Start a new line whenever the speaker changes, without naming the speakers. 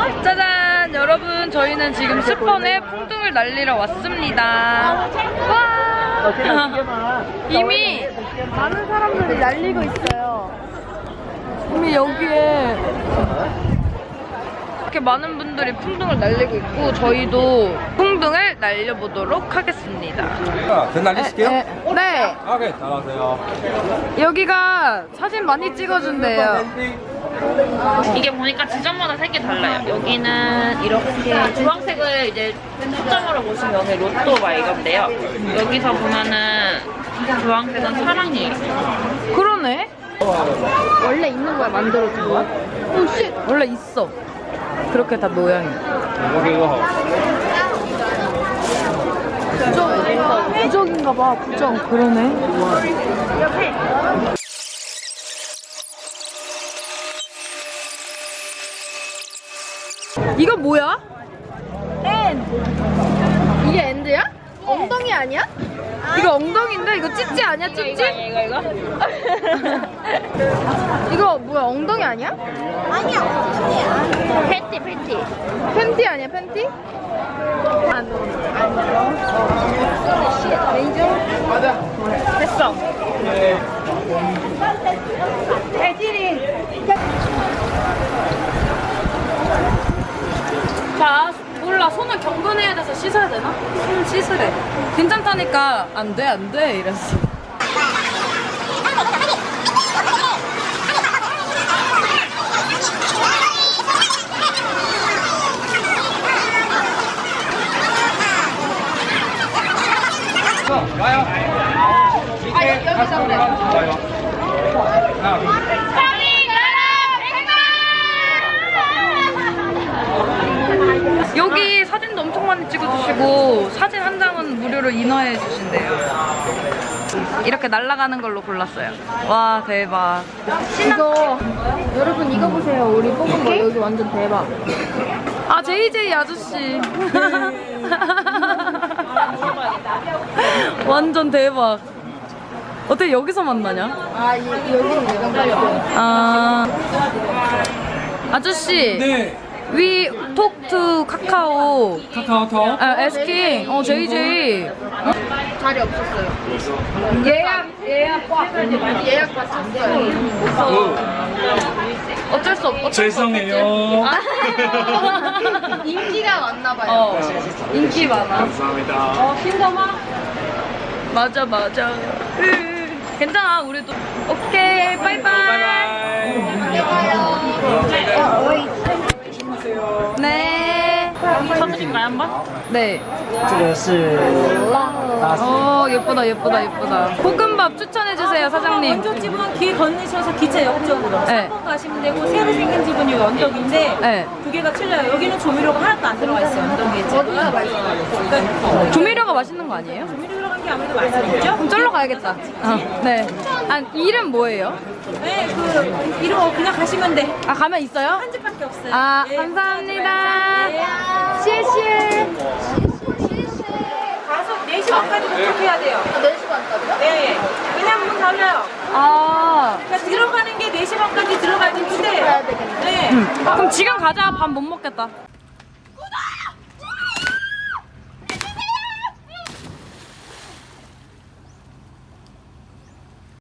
짜잔! 여러분, 저희는 지금 스펀에 풍등을 날리러 왔습니다. 와! 이미
많은 사람들이 날리고 있어요.
이미 여기에 이렇게 많은 분들이 풍등을 날리고 있고 저희도 풍등을 날려보도록 하겠습니다.
전 날리실게요?
네.
오케이, 나가세요.
여기가 사진 많이 찍어준대요.
이게 보니까 지점마다 색이 달라요. 여기는 이렇게 주황색을 이제 초점으로 보시면 여기 로또 막 이건데요. 여기서 보면은 주황색은 사랑이에요.
그러네.
원래 있는 거야, 만들어준 거야?
오씨. 원래 있어. 그렇게 다 모양이.
부적인가 봐, 부적.
그러네. 이거 뭐야?
이게 엔드야? 엉덩이 아니야?
이거 엉덩이인데? 이거 찌찌 아니야? 찌찌?
이거?
이거 뭐야, 엉덩이 아니야?
패티.
팬티 아니야, 팬티?
됐어.
자, 몰라. 손을 경건해야 돼서 씻어야 되나? 손 씻으래. 괜찮다니까. 안 돼. 이랬어.
와요. 여기서 그래. 와요.
여기 사진도 엄청 많이 찍어주시고 사진 한 장은 무료로 인화해 주신대요. 이렇게 날아가는 걸로 골랐어요. 와, 대박.
이거, 여러분 이거 보세요. 우리 뽑은 거 여기 완전 대박.
아, JJ 아저씨. 완전 대박. 어떻게 여기서 만나냐?
여기는 내가 말이야.
아, 아저씨.
네.
We talk to 카카오.
카카오톡.
asking. JJ.
자리 없었어요. 예약 받았어요.
어쩔 수 없어.
죄송해요.
인기가 많나 봐요.
인기 많아.
감사합니다.
맞아. 괜찮아, 우리도. 오케이, 바이바이. 네.
쳐드릴까요 한번?
네.
这个是
예쁘다. 볶음밥 추천해주세요, 사장님.
원조 집은 길 건너셔서 기차 옆쪽으로
네.
3번 가시면 되고 새로 생긴 집은 여기 언덕인데
네.
두 개가 틀려요. 여기는 조미료가 하나도 안 들어가 있어요. 언덕에 집은. 그러니까
조미료가 맛있는 거 아니에요?
조미료 들어간 게 아무래도 맛있겠죠?
그럼 쫄러 가야겠다. 네. 아, 이름 뭐예요?
네, 그 이름 그냥 가시면 돼.
아, 가면 있어요?
한 집밖에 없어요.
아,
네,
감사합니다.
네.
시에시에.
가서 4시 반까지 도착해야 돼요.
4시 반까지요?
네. 그냥 문 닫아요.
아,
그러니까 들어가는 게 4시 반까지 들어가야 되는데.
가야 되겠네.
네.
그럼 지금 가자. 밥 못 먹겠다.